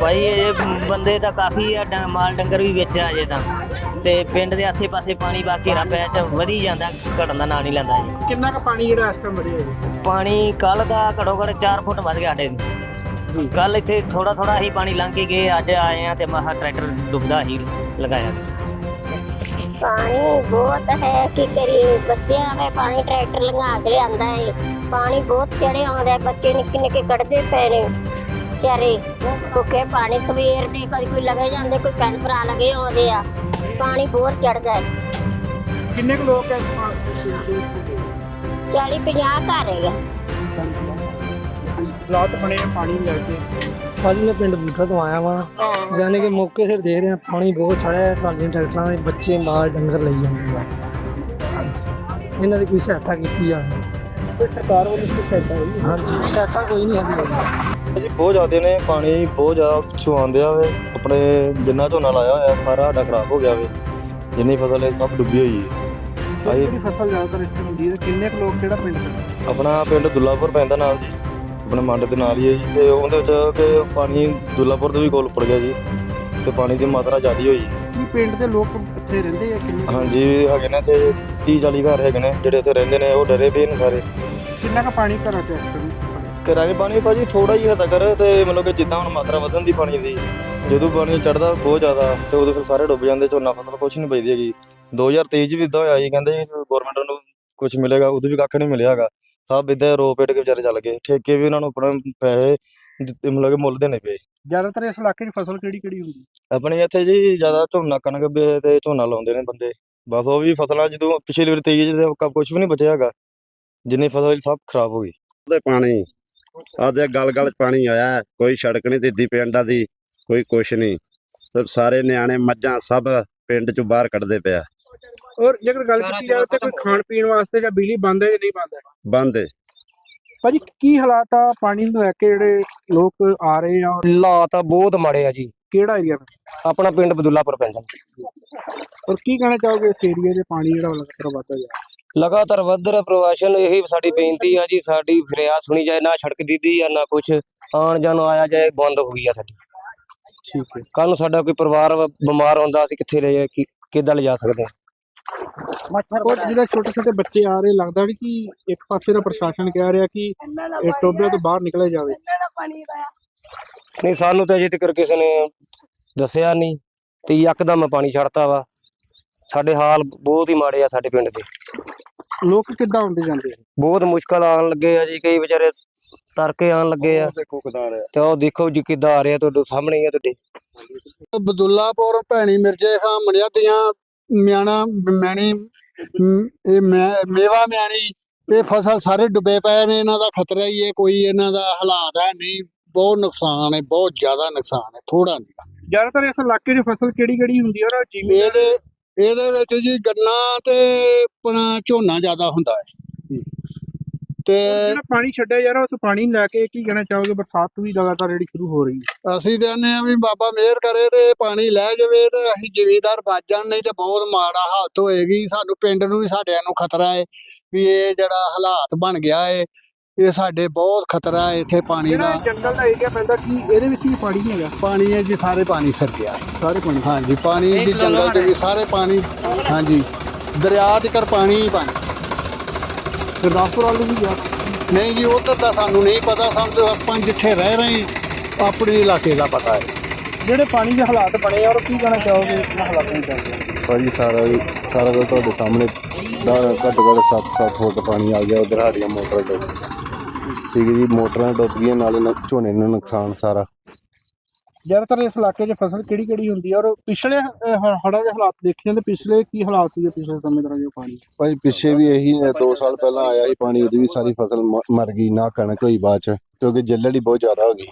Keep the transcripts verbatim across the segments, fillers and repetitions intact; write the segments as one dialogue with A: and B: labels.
A: ਭਾਈ ਇਹ ਬੰਦੇ ਤਾਂ ਕਾਫੀ ਆ, ਡ- ਮਾਲ ਡੰਗਰ ਵੀ ਵਿੱਚ ਆ ਜੇ ਤਾਂ ਤੇ ਪਿੰਡ ਦੇ ਆਸੇ ਪਾਸੇ ਪਾਣੀ ਬਾ ਘੇਰਾ ਪਿਆ ਚ ਵਧੀ ਜਾਂਦਾ, ਘਟਣ ਦਾ ਨਾਂ ਨਹੀਂ ਲੈਂਦਾ ਜੀ।
B: ਕਿੰਨਾ ਕੁ ਪਾਣੀ ਜਿਹੜਾ ਇਸ ਟਾਈਮ ਵਧਿਆ ਜੀ?
A: ਪਾਣੀ ਕੱਲ ਦਾ ਘੱਟੋ ਘੱਟ ਚਾਰ ਫੁੱਟ ਵੱਧ ਗਿਆ ਸਾਡੇ ਨੂੰ। ਕੱਲ ਇੱਥੇ ਥੋੜਾ ਥੋੜਾ ਹੀ ਪਾਣੀ ਲੰਘ ਕੇ ਗਏ, ਅੱਜ ਆਏ ਆ ਤੇ ਮਹਾ ਟਰੈਕਟਰ ਡੁੱਬਦਾ ਹੀ ਲਗਾਇਆ।
C: पानी बहुत है कि करिए बच्चे हमें पानी ट्रैक्टर लगा के लिया है। पानी बहुत चढ़े आते बच्चे निक्के निक्के कटते पे ने बेचारे भुखे पानी सवेर दे कभी कोई लगे जाते कोई भैन भरा लगे आते आ पानी बहुत चढ़ता है।
B: किन्ने कुछ लोग इस पानी
C: चाली पचास घर है
B: हालात बने पानी लैके।
D: ਭਾਜੀ ਮੈਂ ਪਿੰਡ ਬੂਠਾ ਤੋਂ ਆਇਆ ਵਾਂ, ਜਾਨੇ ਕਿ ਮੌਕੇ ਸਿਰ ਦੇਖ ਰਿਹਾ ਪਾਣੀ ਬਹੁਤ ਚੜਿਆ, ਟਰਾਲੀਆਂ ਟਰੈਕਟਰਾਂ ਦੇ ਬੱਚੇ ਮਾਲ ਡੰਗਰ ਲਈ ਜਾਂਦੇ ਆ। ਹਾਂਜੀ ਇਹਨਾਂ ਦੀ ਕੋਈ ਸਹਾਇਤਾ ਕੀਤੀ ਜਾਵੇ।
B: ਕੋਈ ਸਰਕਾਰ ਵੱਲੋਂ ਕੋਈ ਸਹਾਇਤਾ ਹੋਈ?
D: ਹਾਂਜੀ ਸਹਾਇਤਾ ਕੋਈ ਨਹੀਂ ਹੈਗੀ
E: ਜੀ, ਬਹੁਤ ਜ਼ਿਆਦਾ ਨੇ ਪਾਣੀ ਬਹੁਤ ਜ਼ਿਆਦਾ ਪਿੱਛੋਂ ਆਉਂਦੇ ਆ ਵੇ। ਆਪਣੇ ਜਿੰਨਾ ਝੋਨਾ ਲਾਇਆ ਹੋਇਆ ਸਾਰਾ ਸਾਡਾ ਖਰਾਬ ਹੋ ਗਿਆ ਵੇ, ਜਿੰਨੀ ਫਸਲ ਹੈ ਸਭ ਡੁੱਬੀ ਹੋਈ ਹੈ। ਆਹੀ
B: ਕਿਹੜੀ ਫਸਲ ਜ਼ਿਆਦਾਤਰ ਇੱਥੇ ਹੁੰਦੀ ਹੈ? ਕਿੰਨੇ ਕੁ ਲੋਕ ਕਿਹੜਾ ਪਿੰਡ ਦੇ?
E: ਆਪਣਾ ਪਿੰਡ ਦੁੱਲਾਪੁਰ ਪੈਂਦਾ ਨਾਲ ਜੀ, ਆਪਣੇ ਮੰਡ ਦੇ ਨਾਲ ਹੀ ਹੈ ਜੀ। ਤੇ ਉਹਦੇ ਵਿੱਚ ਕਿ ਪਾਣੀ ਦੁੱਲਾਪੁਰ ਤੋਂ ਵੀ ਕੋਲ ਉੱਪਰ ਗਿਆ ਜੀ, ਤੇ ਪਾਣੀ ਦੀ ਮਾਤਰਾ ਜ਼ਿਆਦਾ ਹੋਈ।
B: ਕੀ ਪਿੰਡ ਦੇ ਲੋਕ ਇੱਥੇ ਰਹਿੰਦੇ ਆ? ਕਿੰਨੇ
E: ਹਾਂਜੀ ਹੈਗੇ ਨੇ ਇੱਥੇ ਤੀਹ ਚਾਲੀ ਘਰ ਹੈਗੇ ਨੇ ਜਿਹੜੇ ਇੱਥੇ ਰਹਿੰਦੇ ਨੇ, ਉਹ ਡਰੇ ਪਏ ਨੇ ਸਾਰੇ।
B: ਕਿੰਨਾ ਕੁ ਪਾਣੀ ਘਰਾਂ ਚ ਇਸ ਟਾਈਮ?
E: ਘਰਾਂ 'ਚ ਪਾਣੀ ਭਾਜੀ ਥੋੜਾ ਹੀ ਹੱਦ ਕਰ, ਤੇ ਮਤਲਬ ਕਿ ਜਿੱਦਾਂ ਹੁਣ ਮਾਤਰਾ ਵਧਣ ਦੀ ਪਾਣੀ ਦੀ, ਜਦੋਂ ਪਾਣੀ ਚੜਦਾ ਬਹੁਤ ਜ਼ਿਆਦਾ ਤੇ ਉਦੋਂ ਫਿਰ ਸਾਰੇ ਡੁੱਬ ਜਾਂਦੇ, ਝੋਨਾ ਫਸਲ ਕੁਛ ਨਹੀਂ ਬਚਦੀ ਹੈਗੀ। ਦੋ ਹਜ਼ਾਰ ਤੇਈ 'ਚ ਵੀ ਇੱਦਾਂ ਹੋਇਆ ਜੀ, ਕਹਿੰਦੇ ਗੌਰਮੈਂਟ ਨੂੰ ਕੁਛ ਮਿਲੇਗਾ, ਉਦੋਂ ਵੀ ਕੱਖ ਨਹੀਂ ਮਿਲਿਆ ਹੈਗਾ। ਸਭ ਇੱਦਾਂ ਰੋ ਪੇਟ ਕੇ ਵਿਚਾਰੇ ਚੱਲ ਗਏ, ਠੇਕੇ ਵੀ ਉਹਨਾਂ ਨੂੰ ਆਪਣੇ ਪੈਸੇ ਦਿੱਤੇ, ਮਤਲਬ ਕਿ ਮੁੱਲ ਦੇਣੇ ਪਏ।
B: ਜ਼ਿਆਦਾਤਰ ਇਸ ਇਲਾਕੇ 'ਚ ਫਸਲ ਕਿਹੜੀ ਕਿਹੜੀ ਹੁੰਦੀ?
E: ਆਪਣੇ ਇੱਥੇ ਜੀ ਜ਼ਿਆਦਾ ਝੋਨਾ ਕਣਕ ਵੀ ਤੇ ਝੋਨਾ ਲਾਉਂਦੇ ਨੇ ਬੰਦੇ, ਬਸ ਉਹ ਵੀ ਫਸਲਾਂ ਜਦੋਂ ਪਿਛਲੀ ਵਾਰ ਤੇਈ 'ਚ ਕੁਛ ਵੀ ਨਹੀਂ ਬਚਿਆ ਹੈਗਾ, ਜਿੰਨੀ ਫਸਲ ਸਭ ਖਰਾਬ ਹੋ ਗਈ।
F: ਉਹਦੇ ਪਾਣੀ ਆਦੇ ਗਲ ਗਲ ਚ ਪਾਣੀ ਆਇਆ, ਕੋਈ ਸੜਕ ਨਹੀਂ ਦਿੱਤੀ ਪਿੰਡਾਂ ਦੀ, ਕੋਈ ਕੁਛ ਨਹੀਂ। ਤੇ ਸਾਰੇ ਨਿਆਣੇ ਮੱਝਾਂ ਸਭ ਪਿੰਡ ਚੋਂ ਬਾਹਰ ਕੱਢਦੇ ਪਿਆ।
B: ਔਰ ਜੇਕਰ ਗੱਲ ਕੀਤੀ ਜਾਵੇ ਤਾਂ ਕੋਈ ਖਾਣ ਪੀਣ ਵਾਸਤੇ ਜਾਂ ਬਿਜਲੀ ਬੰਦ ਹੈ ਜਾਂ ਨਹੀਂ ਬੰਦ ਹੈ?
F: ਬੰਦ ਏ।
B: ਭਾਜੀ ਕੀ ਹਾਲਾਤ ਆ ਪਾਣੀ ਨੂੰ ਲੈ ਕੇ ਜਿਹੜੇ ਲੋਕ ਆ ਰਹੇ ਆ? ਔਰ
D: ਹਾਲਾਤ ਬਹੁਤ ਮਾੜੇ ਆ ਜੀ।
B: ਕਿਹੜਾ ਏਰੀਆ?
D: ਆਪਣਾ ਪਿੰਡ ਬਦੁੱਲਾਪੁਰ ਪੈਂਦਾ।
B: ਔਰ ਕੀ ਕਹਿਣਾ ਚਾਹੋਗੇ ਇਸ ਏਰੀਆ ਦੇ ਪਾਣੀ ਜਿਹੜਾ ਲਗਾਤਾਰ ਵੱਧਦਾ ਜਾ ਰਿਹਾ?
D: ਲਗਾਤਾਰ ਵੱਧ ਰਿਹਾ ਪ੍ਰਵਾਸ਼ਨ, ਇਹੀ ਸਾਡੀ ਬੇਨਤੀ ਆ ਜੀ, ਸਾਡੀ ਫਰਿਆਦ ਸੁਣੀ ਜਾਏ। ਨਾ ਸੜਕ ਦਿੱਦੀ ਆ ਨਾ ਕੁਛ, ਆਉਣ ਜਾਣ ਆਇਆ ਜਾਏ ਬੰਦ ਹੋ ਗਈ ਆ ਸਾਡੀ।
B: ਠੀਕ ਹੈ।
D: ਕੱਲ ਨੂੰ ਸਾਡਾ ਕੋਈ ਪਰਿਵਾਰ ਬਿਮਾਰ ਹੁੰਦਾ, ਅਸੀਂ ਕਿੱਥੇ ਲੈ ਜਾ ਕਿ ਕਿੱਦਾਂ ਲਿਜਾ ਸਕਦੇ ਹਾਂ?
B: ਔਰ ਜਿਹੜੇ ਛੋਟੇ ਛੋਟੇ ਬੱਚੇ ਆ ਰਹੇ, ਲੱਗਦਾ ਨਹੀਂ ਕਿ ਇੱਕ ਪਾਸੇ ਦਾ ਪ੍ਰਸ਼ਾਸਨ ਕਹਿ ਰਿਹਾ ਕਿ ਇਹ ਟੋਬੇ ਤੋਂ ਬਾਹਰ ਨਿਕਲਿਆ ਜਾਵੇ?
D: ਨਹੀਂ, ਸਾਨੂੰ ਤਾਂ ਅਜੇ ਤੱਕ ਕਿਸੇ ਨੇ ਦੱਸਿਆ ਨਹੀਂ, ਤੇ ਯਕਦਮ ਪਾਣੀ ਛੱਡਤਾ ਵਾ। ਸਾਡੇ ਹਾਲ ਬਹੁਤ ਹੀ ਮਾੜੇ ਆ ਸਾਡੇ ਪਿੰਡ ਦੇ।
B: ਲੋਕ ਕਿੱਦਾਂ ਆਉਂਦੇ ਜਾਂਦੇ ਆ?
D: ਬਹੁਤ ਮੁਸ਼ਕਲ ਆਉਣ ਲੱਗੇ ਆ ਜੀ, ਕਈ ਵਿਚਾਰੇ ਤਰਕੇ ਆਉਣ ਲੱਗੇ ਆ।
F: ਦੇਖੋ ਕਿਦਾਂ ਰਿਹਾ
D: ਤੇ ਉਹ ਦੇਖੋ ਜੀ ਕਿੱਦਾਂ ਆ ਰਿਹਾ, ਤੁਹਾਡੇ ਸਾਹਮਣੇ ਹੀ ਆ ਤੁਹਾਡੇ।
G: ਬਦੁੱਲਾਪੁਰ ਭੈਣੀ ਮਿਰਜੇ ਖਾਂ ਮਣਿਆ ਦੀਆਂ ਮਿਆਣਾ ਮੈਣੀ ਮ- ਇਹ ਮੈਂ- ਮੇਵਾ ਮਿਆਣੀ, ਇਹ ਫਸਲ ਸਾਰੇ ਡੁੱਬੇ ਪਏ ਨੇ। ਇਹਨਾਂ ਦਾ ਖਤਰਾ ਹੀ ਹੈ, ਕੋਈ ਇਹਨਾਂ ਦਾ ਹਾਲਾਤ ਹੈ ਨਹੀਂ। ਬਹੁਤ ਨੁਕਸਾਨ ਹੈ, ਬਹੁਤ ਜ਼ਿਆਦਾ ਨੁਕਸਾਨ ਹੈ, ਥੋੜਾ ਨਹੀਂ।
B: ਜ਼ਿਆਦਾਤਰ ਇਸ ਇਲਾਕੇ 'ਚ ਫਸਲ ਕਿਹੜੀ ਕਿਹੜੀ ਹੁੰਦੀ ਹੈ? ਔਰ ਜਿਵੇਂ
G: ਇਹਦੇ ਇਹਦੇ ਵਿੱਚ ਜੀ ਗੰਨਾ ਤੇ ਆਪਣਾ ਝੋਨਾ ਜ਼ਿਆਦਾ ਹੁੰਦਾ ਹੈ। ਤੇ
B: ਜਿਹੜਾ ਪਾਣੀ ਛੱਡਿਆ ਜਾ ਰਿਹਾ ਉਸ ਪਾਣੀ ਨੂੰ ਲੈ ਕੇ ਕੀ ਕਹਿਣਾ ਚਾਹੋਗੇ? ਬਰਸਾਤ ਵੀ ਲਗਾਤਾਰ ਜਿਹੜੀ ਸ਼ੁਰੂ ਹੋ ਰਹੀ ਹੈ।
G: ਅਸੀਂ ਕਹਿੰਦੇ ਆ ਵੀ ਬਾਬਾ ਮਿਹਰ ਕਰੇ ਤੇ ਪਾਣੀ ਲੈ ਜਾਵੇ ਤੇ ਅਸੀਂ ਜ਼ਿਮੀਂਦਾਰ ਬਚ ਜਾਣ, ਨਹੀਂ ਤੇ ਬਹੁਤ ਮਾੜਾ ਹਾਲਤ ਹੋਏਗੀ। ਸਾਨੂੰ ਪਿੰਡ ਨੂੰ ਵੀ ਸਾਡਿਆਂ ਨੂੰ ਖਤਰਾ ਹੈ ਵੀ ਇਹ ਜਿਹੜਾ ਹਾਲਾਤ ਬਣ ਗਿਆ ਹੈ, ਇਹ ਸਾਡੇ ਬਹੁਤ ਖਤਰਾ ਹੈ ਇੱਥੇ ਪਾਣੀ ਦਾ।
B: ਜਿਹੜਾ ਜੰਗਲ ਦਾ ਏਰੀਆ ਪੈਂਦਾ, ਕੀ ਇਹਦੇ ਵਿੱਚ ਵੀ ਪਾਣੀ ਨਹੀਂ ਹੈਗਾ?
G: ਪਾਣੀ ਹੈ ਜੀ, ਸਾਰੇ ਪਾਣੀ ਫਿਰ ਗਿਆ
B: ਸਾਰੇ ਪਾਣੀ?
G: ਹਾਂਜੀ, ਪਾਣੀ ਦੀ ਜੰਗਲ ਚ ਵੀ ਸਾਰੇ ਪਾਣੀ। ਹਾਂਜੀ, ਦਰਿਆ ਚ ਕਰ ਪਾਣੀ ਹੀ ਪਾਣੀ।
B: ਗੁਰਦਾਸਪੁਰ ਵੱਲ ਵੀ ਗਿਆ?
G: ਨਹੀਂ ਜੀ, ਉੱਧਰ ਦਾ ਸਾਨੂੰ ਨਹੀਂ ਪਤਾ। ਸਾਨੂੰ ਤਾਂ ਆਪਾਂ ਜਿੱਥੇ ਰਹਿ ਰਹੇ ਹਾਂ ਆਪਣੇ ਇਲਾਕੇ ਦਾ ਪਤਾ ਹੈ।
B: ਜਿਹੜੇ ਪਾਣੀ ਦੇ ਹਾਲਾਤ ਬਣੇ ਆ, ਔਰ ਕੀ ਕਹਿਣਾ ਚਾਹੋਗੇ ਇਹਨਾਂ ਹਾਲਾਤਾਂ ਨੂੰ ਚੱਲਦੇ?
F: ਭਾਜੀ ਸਾਰਾ ਸਾਰਾ ਕੁਝ ਤੁਹਾਡੇ ਸਾਹਮਣੇ ਦਾ ਘੱਟੋ ਘੱਟ ਸੱਤ ਸੱਤ ਫੁੱਟ ਪਾਣੀ ਆ ਗਿਆ। ਉਧਰ ਸਾਡੀਆਂ ਮੋਟਰ ਡੁੱਬ ਠੀਕ ਹੈ ਜੀ, ਮੋਟਰਾਂ ਡੁੱਬ ਗਈਆਂ, ਨਾਲੇ ਨ- ਝੋਨੇ ਨੂੰ ਨੁਕਸਾਨ ਸਾਰਾ।
B: ਜ਼ਿਆਦਾਤਰ ਇਸ ਇਲਾਕੇ 'ਚ ਫਸਲ ਕਿਹੜੀ ਕਿਹੜੀ ਹੁੰਦੀ ਹੈ? ਔਰ ਪਿਛਲੇ ਹੜ੍ਹਾਂ ਦੇ ਹਾਲਾਤ ਦੇਖੇ ਜਾਂਦੇ, ਪਿਛਲੇ ਕੀ ਹਾਲਾਤ ਸੀਗੇ ਪਿਛਲੇ ਸਮੇਂ ਦੌਰਾਨ ਜੋ ਪਾਣੀ?
F: ਭਾਈ ਪਿੱਛੇ ਵੀ ਇਹੀ ਦੋ ਸਾਲ ਪਹਿਲਾਂ ਆਇਆ ਸੀ ਪਾਣੀ, ਉਹਦੀ ਵੀ ਸਾਰੀ ਫਸਲ ਮ- ਮਰ ਗਈ, ਨਾ ਕਣਕ ਹੋਈ ਬਾਅਦ ਚ, ਕਿਉਂਕਿ ਜੱਲੜ ਹੀ ਬਹੁਤ ਜ਼ਿਆਦਾ ਹੋ ਗਈ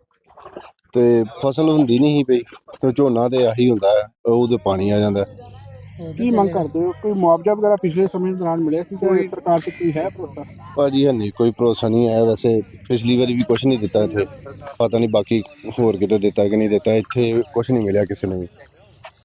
F: ਤੇ ਫਸਲ ਹੁੰਦੀ ਨਹੀਂ ਸੀ ਪਈ। ਤੇ ਝੋਨਾ ਤੇ ਆਹੀ ਹੁੰਦਾ ਹੈ, ਉਹਦੇ ਪਾਣੀ ਆ ਜਾਂਦਾ।
B: ਕੀ ਮੰਗ ਕਰਦੇ ਹੋ? ਕੋਈ ਮੁਆਵਜ਼ਾ ਵਗੈਰਾ ਪਿਛਲੇ ਸਮੇਂ ਦੌਰਾਨ ਮਿਲਿਆ ਸੀ? ਕੋਈ ਸਰਕਾਰ 'ਚ ਕੋਈ ਹੈ ਭਰੋਸਾ?
F: ਭਾਜੀ ਹੈ ਨਹੀਂ, ਕੋਈ ਭਰੋਸਾ ਨਹੀਂ ਹੈ। ਵੈਸੇ ਪਿਛਲੀ ਵਾਰੀ ਵੀ ਕੁਛ ਨਹੀਂ ਦਿੱਤਾ ਇੱਥੇ, ਪਤਾ ਨਹੀਂ ਬਾਕੀ ਹੋਰ ਕਿਤੇ ਦਿੱਤਾ ਕਿ ਨਹੀਂ ਦਿੱਤਾ, ਇੱਥੇ ਕੁਛ ਨਹੀਂ ਮਿਲਿਆ ਕਿਸੇ ਨੂੰ ਵੀ।